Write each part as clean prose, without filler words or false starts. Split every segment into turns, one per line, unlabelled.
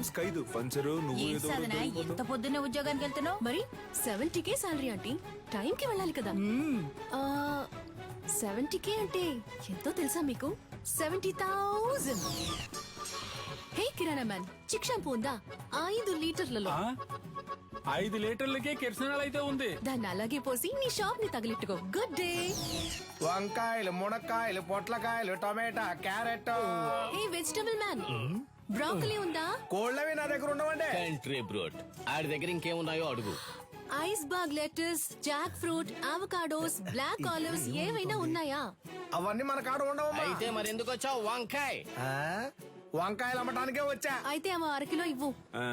Chance ఖైదు పంచరు నువ్వు
ఏం
ఏదో
సాధన ఎంత పొద్దున్నే ఉద్యోగానికి వెళ్తున్నావు?
మరి 70K శాలరీ ఆంటీ, టైంకి వెళ్ళాలి కదా. 70K అంటే ఎంతో తెలుసా మీకు? 70,000. హే కిరాణా మ్యాన్, చిక్ షాంపూ ఉందా? 5 లీటర్లలో.
5 లీటర్లకే కిరసనాలు అయితే ఉంది.
దాన్ని అలాగే పోసి నీ షాప్ ని తగిలిట్టుకో. Good day.
వంకాయలు, మునక్కాయలు, పొట్లకాయలు, టమాటా, carrot.
Hey vegetable man, broccoli ఉందా?
కోళ్ళవి నా దగ్గర ఉండవండి.
కంట్రీ బ్రోడ్ ఆడి దగ్గర ఇంకేమున్నాయో అడుగు.
Iceberg lettuce, jackfruit, avocados, black olives ఏవైనా ఉన్నాయా?
అవన్నీ మన కాడ ఉండవమ్మా.
అయితే మరెందుకు వచ్చావు? వంకాయ్
ఆ? వంకాయలు అమ్మటానికే వచ్చా.
అయితే అవ 1 కిలో ఇవ్వు.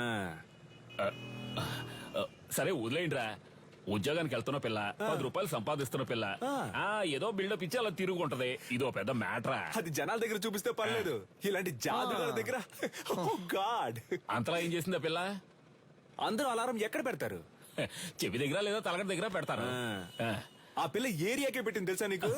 సరే వదిలేయండిరా. ఉద్యోగానికి వెళ్తున్న పిల్ల, 10 రూపాయలు సంపాదిస్తున్న పిల్ల, ఏదో బిల్డప్ ఇచ్చి అలా తిరుగుంటది. ఇదో పెద్ద మ్యాటరా.
అది జనాల దగ్గర చూపిస్తే పర్లేదు, ఇలాంటి జాదుగారి దగ్గర గాడ్.
అంతలా ఏం చేసిందా పిల్ల?
అందరూ అలారం ఎక్కడ పెడతారు?
చెవి దగ్గర లేదా తలగడ దగ్గర పెడతారు.
ఆ పిల్ల ఏరియాకే పెట్టింది తెలుసా నీకు?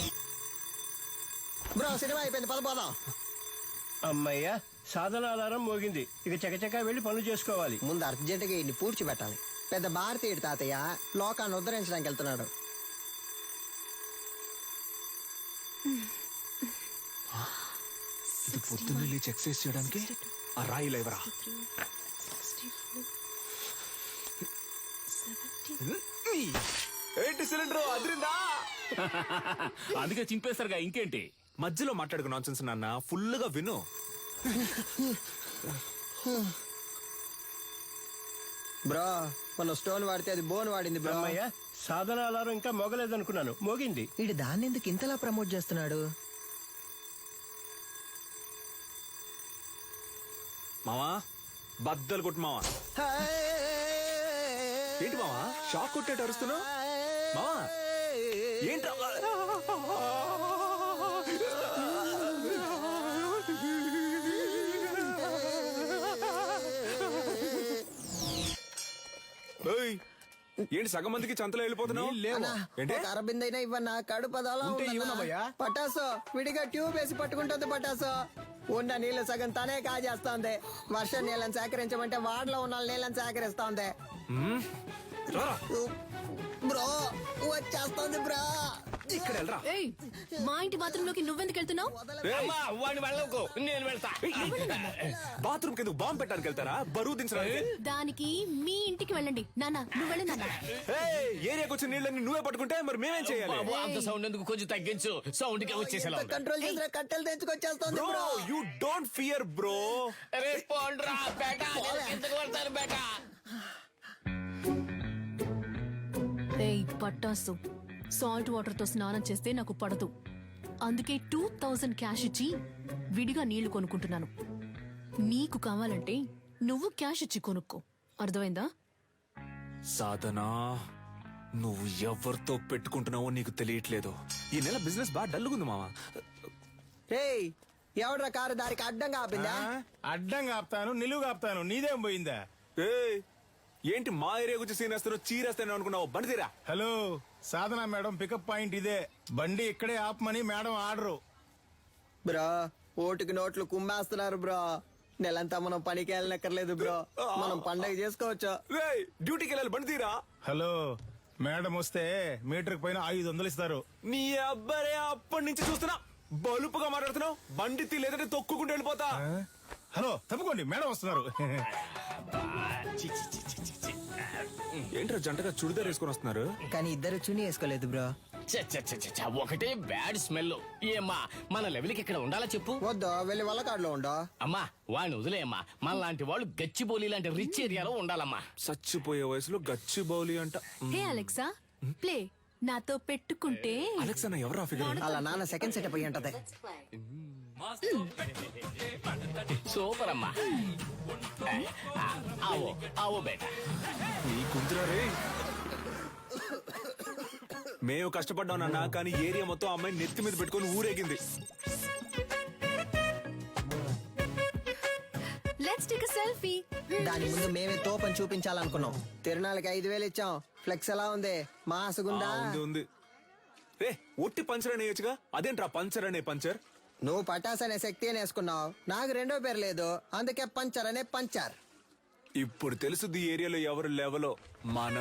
బ్రో సినిమా అయిపోయింది, పదపోదాం.
అమ్మయ్య, సాధన ఆధారం మోగింది. ఇక చకచకా వెళ్లి పనులు చేసుకోవాలి.
ముందు అర్జెంటుగా ఇన్ని పూడ్చిపెట్టాలి. పెద్ద భారతీయుడు తాతయ్య లోకాన్ని ఉద్ధరించడానికి వెళ్తున్నాడు.
ఇది పొద్దున్న లేచి ఎక్సర్సైజ్ చేయడానికి ఆ రాయి లేవరా. ఏంటి సిలిండర్ అదిరిందా?
అందుకే చింపేస్తారుగా, ఇంకేంటి?
మధ్యలో మాట్లాడుకు నాన్సెన్స్ నాన్న, ఫుల్ గా విను.
బ్రో మన స్టోన్ వాడితే అది బోన్ వాడింది బ్రో.
అమ్మయ్య, సాధన ఆధారం ఇంకా మోగలేదనుకున్నాను, మోగింది.
ఇడు దాన్ని ఎందుకు ఇంతలా ప్రమోట్ చేస్తున్నాడు?
మావా బద్దలు కొట్టు మావా. ఏంటి మావా షాక్ కొట్టేట అరుస్తున్నావు? మావా ఏంట్రా? ఏంటి సగం మందికి చంతలో వెళ్ళిపోతున్నావు?
అరబిందైనా ఇవ్వన్నా, కడుపు అదోలా ఉందన్నా. పటాసో విడిగా ట్యూబ్ వేసి పట్టుకుంటుంది. పటాసో ఉన్న నీళ్లు సగం తనే కాజేస్తోంది. వర్షం నీళ్ళని సేకరించమంటే వాడలో ఉన్న నీళ్ళని సేకరిస్తోంది. బ్రో వచ్చేస్తోంది బ్రో.
ఇక్కడ వెళ్ళరా.
ఏయ్, మా ఇంటి బాత్రూమ్ లోకి నువ్వెందుకు వెళ్తున్నావు?
వాడిని వెళ్ళకు, నేను వెళ్తా.
బాత్రూమ్ కింద బాంబు పెట్టడానికి వెళ్తారా? బరువు దించడానికి.
దానికి మీ ఇంటికి వెళ్ళండి. నాన్న నువ్వు వెళ్ళి నాన్న.
ఏరియాకి వచ్చిన నీళ్ళని నువ్వే పట్టుకుంటే మరి మేమేం చేయాలి?
అంత సౌండ్ ఎందుకు, కొంచెం తగ్గించు. సౌండ్ కి వచ్చేసేలా ఉంది.
కంట్రోల్ చేసిన కట్టెలు తెచ్చుకొచ్చేస్తోంది bro.
You don't fear bro.
అరే పోండ్రా బేటా, నేను కిందకు వెళ్తాను బేటా.
ఏయ్ పట్టాసు, సాల్ట్ వాటర్ తో స్నానం చేస్తే నాకు పడదు. అందుకే 2000 క్యాష్ ఇచ్చి విడిగా నీళ్లు కొనుక్కుంటున్నాను. నీకు కావాలంటే నువ్వు క్యాష్ ఇచ్చి కొనుక్కో, అర్థమైందా?
సాధనా, నువ్వు ఎవరితో పెట్టుకుంటున్నావో నీకు తెలియట్లేదు. ఈ నెల బిజినెస్ బాగా డల్లుగుంది మావా.
రేయ్ ఎవడ్రా కారు దారికి అడ్డంగా ఆపిందా?
అడ్డంగా ఆపుతాను, నిలువుగా ఆపుతాను, నీదేం పోయిందా?
ఏంటి మా ఏరియా గురించి సీన్ వేస్తారో చీరేస్తాను అనుకున్నావు? బండి తీరా.
Hello Sadhana madam, pickup point ఇదే. బండి ఇక్కడే ఆపమని మేడం ఆర్డరు.
బ్రో ఓటుకి నోట్లు కుమ్మేస్తున్నారు బ్రో. నెలంతా మనం పనికి వెళ్ళనక్కర్లేదు బ్రో, మనం పండగ చేసుకోవచ్చు.
డ్యూటీకి వెళ్ళాలి, బండి తీరా.
హలో మేడం వస్తే మీటర్ పైన 500 ఇస్తారు.
నీ అబ్బాయి అప్పటి నుంచి చూస్తున్నా బలుపుగా మాట్లాడుతున్నావు. బండి తీ, లేదంటే తొక్కుకుంటూ వెళ్ళిపోతా.
హలో తప్పుకోండి, మేడం వస్తున్నారు.
ఏంట్రా జంటగా చుడిదార్ వేసుకొని వస్తున్నారు?
కానీ ఇద్దరు చుని వేసుకోలేదు బ్రో.
ఒకటే బ్యాడ్ స్మెల్. ఏమ్మా మన లెవెల్కి ఇక్కడ ఉండాలా చెప్పు?
వద్దు, వెళ్ళి వల్లకాడులో ఉండో.
అమ్మా వాడిని వదిలేయమ్మా. మన లాంటి వాళ్ళు గచ్చిబౌలి లాంటి రిచ్ ఏరియాలో ఉండాలమ్మా.
చచ్చిపోయే వయసులో గచ్చి బౌలి అంట.
Hey Alexa, play. నాతో పెట్టుకుంటే
అలెక్సా నా ఎవరా ఫిగర్?
అలా నాన్న సెకండ్ సెటప్ అయ్యి ఉంటది.
సూపర్ అమ్మా. ఆవో ఆవో బేటా.
నీ కుంతురా రే. మేము కష్టపడ్డాం నాన్న, కానీ ఏరియా మొత్తం అమ్మాయి నెత్తి మీద పెట్టుకొని ఊరేగింది.
Let's take a selfie.
దాని ముందు మేమే తోపని చూపించాలనుకున్నాం. తిరునాళ్ళకి 5000 ఇచ్చాం. ఫ్లెక్స్ ఎలా ఉంది? మాసుగుందా?
ఉంది. రే ఒట్టి పంచర్ అనేయచ్చుగా, అదేంట్రా పంచర్ అనే పంచర్?
నువ్వు పటాస్ అనే శక్తి అని వేసుకున్నావు, నాకు రెండో పేరు లేదు, అందుకే పంచర్ అనే పంచర్.
ఇప్పుడు తెలుసుది ఈ ఏరియాలో ఎవరు లెవలో మన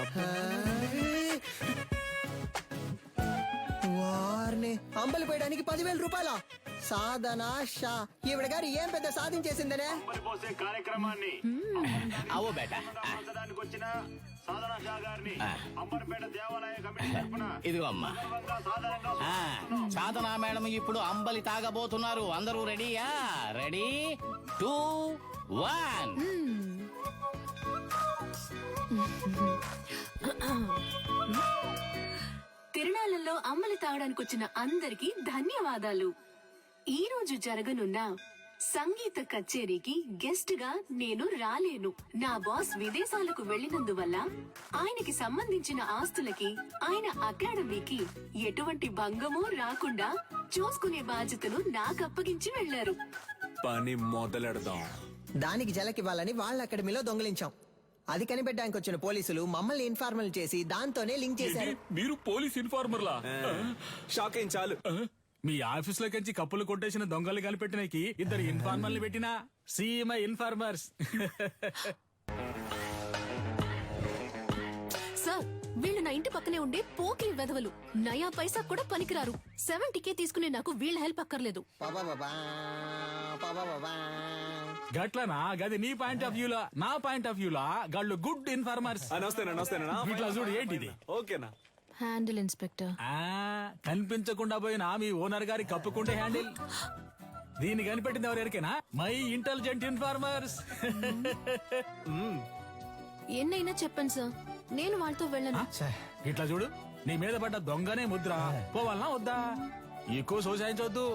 వారిని అంబలి పోయడానికి 10,000 రూపాయల సాధన షా. ఈవిడ గారు ఏం పెద్ద సాధించేసిందనే.
కార్యక్రమాన్ని
అవో బేటా
వచ్చిన సాధన షా గారిని అంబర్పేట దేవాలయ కమిటీ తరపున
ఇదిగో అమ్మా. సాధనా మేడం ఇప్పుడు అంబలి తాగబోతున్నారు. అందరూ రెడీయా? రెడీ 2 1.
తిరునాళ్ళలో అమ్మలి తాగడానికి వచ్చిన అందరికీ ధన్యవాదాలు. ఈ రోజు జరగనున్న సంగీత కచేరీకి గెస్ట్ గా నేను రాలేను. నా బాస్ విదేశాలకు వెళ్లినందువల్ల ఆయనకి సంబంధించిన ఆస్తులకి, ఆయన అకాడమీకి ఎటువంటి భంగమూ రాకుండా చూసుకునే బాధ్యతను నాకు అప్పగించి వెళ్లారు.
పని మొదలెడదాం.
దానికి జలకివ్వాలని వాళ్ళ అకాడమీలో దొంగిలించాం. అది కనిపెట్టడానికి వచ్చిన పోలీసులు మమ్మల్ని ఇన్ఫార్మల్ చేసి దాంతోనే లింక్ చేశారు.
మీరు పోలీస్ ఇన్ఫార్మర్లా?
షాక్ అయింది చాలు.
మీ ఆఫీస్ లో కంచి కప్పులు కొట్టేసిన దొంగలు కనిపెట్టినకి 2 ఇన్ఫార్మర్లు పెట్టినా సీఎంఐ ఇన్ఫార్మర్స్.
సార్, వీళ్ళు నా ఇంటి పక్కనే ఉండే పోకిరి వెధవలు. నయా పైసా కూడా పనికిరారు. 70K తీసుకునే నాకు వీళ్ళ హెల్ప్ అక్కర్లేదు.
పాపాపాపా, పాపాపాపా.
గట్లనా? గది నీ పాయింట్ ఆఫ్ వ్యూలా, నా పాయింట్ ఆఫ్ వ్యూలా గాళ్ళు గుడ్ ఇన్ఫార్మర్స్.
నమస్తేనా
ఇట్లా చూడు, ఏంటిది?
ఓకేనా?
Handle inspector.
కనిపించకుండా పోయిన మీ ఓనర్ గారి కప్పుకుంటే హ్యాండిల్. దీన్ని కనిపెట్టింది ఎవరికైనా? My intelligent informers.
ఎన్నైనా చెప్పండి సార్, నేను వాళ్ళతో వెళ్ళను.
ఇట్లా చూడు, నీ మీద పడ్డ దొంగనే ముద్ర. పోవాలనా వద్దా? ఎక్కువ సోసాయించవద్దు.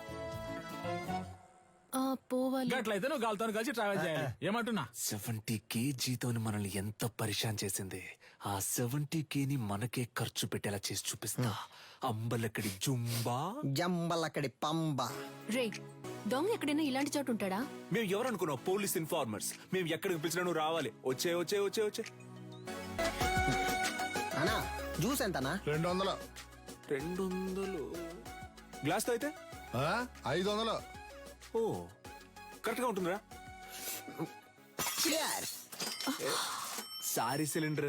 పోవాలి.
గట్లయితే నువ్వు గాలితో కలిసి ట్రావెల్ చేయాలి. ఏమంటున్నా?
70K జీతోని మనల్ని ఎంత పరిశాన్ చేసింది. ఆ 70K ని మనకే ఖర్చు పెట్టేలా చేసి చూపిస్తా. అంబలక్కడి జుంబా,
జంబలక్కడి పంబ.
రే, దొంగ ఎక్కడైనా ఇలాంటి చోటు ఉంటాడా?
మేము ఎవరనుకున్నావు? Police informers. మేము ఎక్కడికి పిలిచినా నువ్వు రావాలి. వచ్చే
అన్నా జ్యూస్ ఎంతనా?
200.
200 గ్లాస్ తో అయితే
500.
ఓ కరెక్ట్ గా ఉంటుందిరా. Sorry cylinder.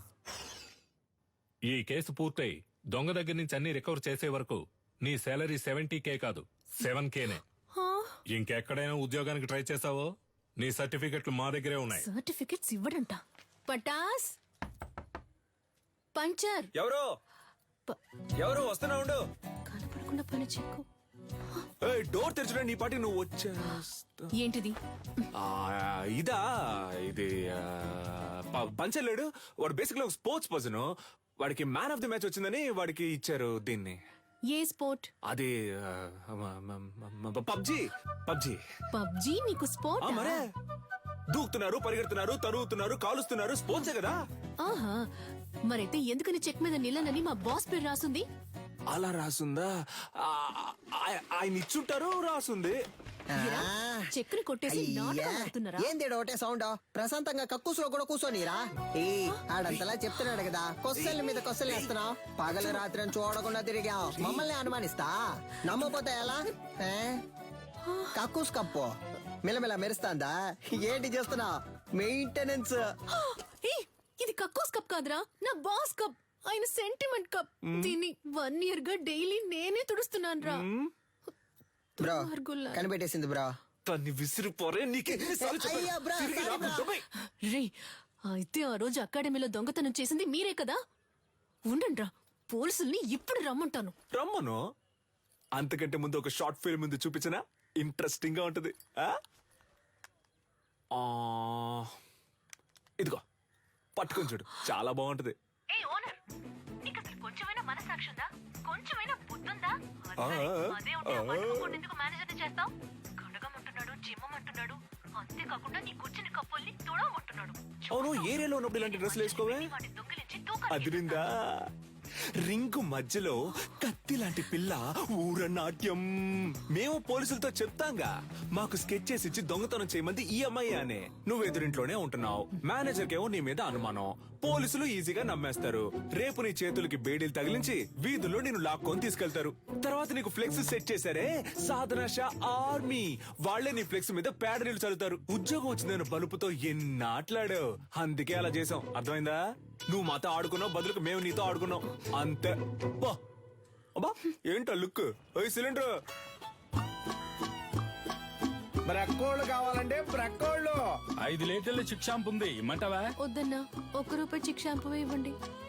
ఈ కేసు పూర్తయి దొంగ దగ్గర నుంచి అన్ని రికవర్ చేసే వరకు నీ శాలరీ 70K కాదు 7Kనే. ఇంకెక్కడైనా ఉద్యోగానికి ట్రై చేసావో నీ సర్టిఫికెట్లు మా దగ్గరే ఉన్నాయి.
సర్టిఫికెట్స్ ఇవ్వడంట. పటాస్ పంచర్.
ఎవరు వస్తున్నా ఉండు.
కనపడకుండా పని చెక్కు.
డోర్ తెరచడా నీ పాటికి నువ్వు వచ్చేస్తా.
ఏంటిది?
ఇదా? ఇది పంచలేడు. వాడు బేసిక్లీ ఒక స్పోర్ట్స్ పర్సన్. వాడికి మ్యాన్ ఆఫ్ ది మ్యాచ్ వచ్చిందని వాడికి ఇచ్చారు దీన్ని.
ఏ స్పోర్ట్?
అది పబ్జీ.
పబ్జీ నీకు స్పోర్ట్?
మరే దూకుతున్నారు, పరిగెడుతున్నారు, తరుగుతున్నారు, కాలుస్తున్నారు. స్పోర్ట్సే కదా.
ఆహా, మరైతే ఎందుకని చెక్ మీద నిల్లనని మా బాస్ పేరు రాసుంది?
అలా రాసుందా? ఆయన ఇచ్చుంటారు, రాసుంది.
చెక్కుని కొట్టేసి నాటకం ఆడుతున్నారా?
ఏంది ఒకటే సౌండ్? ప్రశాంతంగా కక్కుసులో కూడా కూర్చోనిరా. ఆడంతలా చెప్తున్నాడు కదా, కొస్సల మీద కొస్సలు వేస్తున్నావు. పగలు రాత్రి చూడకుండా తిరిగాం, మమ్మల్ని అనుమానిస్తా. నమ్మపోతే ఎలా? కక్కుస్ కప్పు మిలమిల మెరుస్తాందా? ఏంటి చేస్తున్నావు? మెయింటెనెన్స్.
ఇది కక్కోస్ కప్ కాదురా, నా బాస్ కప్. ఆయన సెంటిమెంట్ కప్. దీన్ని 1 year గా డైలీ నేనే తుడుస్తున్నాను రా.
బ్రో కనిపెట్టేసింది బ్రో.
తన్ని విసిరిపోరే.
రే, అయితే ఆ రోజు అకాడమీలో దొంగతనం చేసింది మీరే కదా? ఉండండి రా, పోలీసుల్ని ఇప్పుడు రమ్మంటాను.
రమ్మను. అంతకంటే ముందు ఒక షార్ట్ ఫిల్మ్ ముందు చూపించనా? ఇంట్రెస్టింగ్ గా ఉంటది. ఇదిగో పట్టుకొని చూడు, చాలా బాగుంటది.
కొంచెమైనా మనసాక్షి ఉందా? కొంచెమైనా బుద్ధుందా? మేనేజర్ చేస్తావు. కడగమంటున్నాడు, చిమ్మమంటున్నాడు. అంతేకాకుండా నీ కూర్చుని కప్పుల్ని తుడవమంటున్నాడు.
అవును, ఏరియాలో ఉన్నప్పుడు ఇలాంటి డ్రెస్సులు వేసుకోవే. అదిరిందా? రింగు మధ్యలో కత్తి లాంటి పిల్ల ఊరనాట్యం. మేము పోలీసులతో చెప్తాంగా, మాకు స్కెచ్ చేసి ఇచ్చి దొంగతనం చేయమంది ఈ అమ్మాయి అనే. నువ్వు ఎదురింట్లోనే ఉంటున్నావు. మేనేజర్ కేమో నీ మీద అనుమానం. పోలీసులు ఈజీగా నమ్మేస్తారు. రేపు నీ చేతులకి బేడీలు తగిలించి వీధుల్లో నేను లాక్కొని తీసుకెళ్తారు. తర్వాత నీకు ఫ్లెక్స్ సెట్ చేశారే సాధన షా ఆర్మీ, వాళ్లే నీ ఫ్లెక్స్ మీద పేడ నీళ్లు చల్లుతారు. ఉద్యోగం వచ్చిందని బలుపుతో ఎన్నాట్లాడావు, అందుకే అలా చేసాం. అర్థమైందా? నువ్వు మాతో ఆడుకున్నావు, బదులుకు మేము నీతో ఆడుకున్నాం అంతే. బా అబ్బా ఏంటో లుక్. ఓయ్ సిలిండర్,
బ్రక్కోళ్ళు కావాలంటే బ్రక్కోళ్ళు.
5 లీటర్ల చిక్ షాంపూ ఉంది, ఇమ్మంటావా?
వద్దన్నా, 1 రూపాయి చిక్ షాంపూ ఇవ్వండి.